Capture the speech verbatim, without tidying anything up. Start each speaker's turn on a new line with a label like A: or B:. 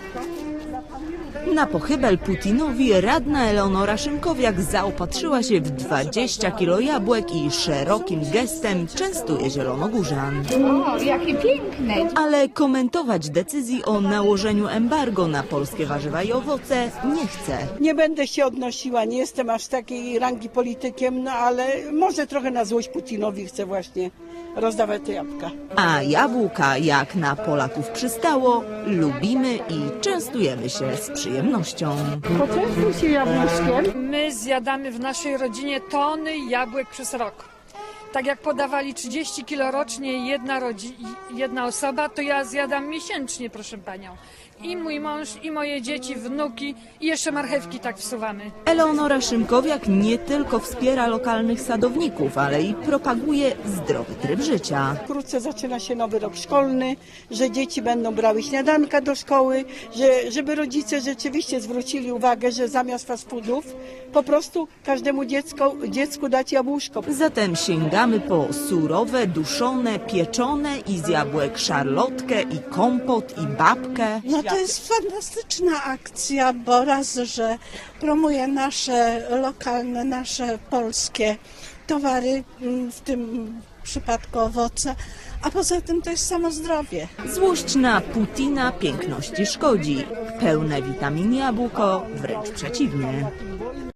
A: Na pochybel Putinowi radna Eleonora Szymkowiak zaopatrzyła się w dwadzieścia kilo jabłek i szerokim gestem częstuje zielonogórzan.
B: O, jakie piękne!
A: Ale komentować decyzji o nałożeniu embargo na polskie warzywa i owoce nie chce.
C: Nie będę się odnosiła, nie jestem aż takiej rangi politykiem, no ale może trochę na złość Putinowi chcę właśnie rozdawać te jabłka.
A: A jabłka, jak na Polaków przystało, lubimy i częstujemy się z przyjemnością.
C: Poczęstuj się jabłuszkiem.
D: My zjadamy w naszej rodzinie tony jabłek przez rok. Tak jak podawali trzydzieści kilo rocznie jedna, rodzi- jedna osoba, to ja zjadam miesięcznie, proszę panią. I mój mąż, i moje dzieci, wnuki, i jeszcze marchewki tak wsuwamy.
A: Eleonora Szymkowiak nie tylko wspiera lokalnych sadowników, ale i propaguje zdrowy tryb życia.
C: Wkrótce zaczyna się nowy rok szkolny, że dzieci będą brały śniadanka do szkoły, że, żeby rodzice rzeczywiście zwrócili uwagę, że zamiast fast foodów po prostu każdemu dziecko, dziecku dać jabłuszko.
A: Zatem sięgamy po surowe, duszone, pieczone i z jabłek szarlotkę i kompot i babkę.
E: No to jest fantastyczna akcja, bo raz, że promuje nasze lokalne, nasze polskie towary, w tym przypadku owoce, a poza tym to jest samo zdrowie.
A: Złość na Putina piękności szkodzi. Pełne witamin jabłko wręcz przeciwnie.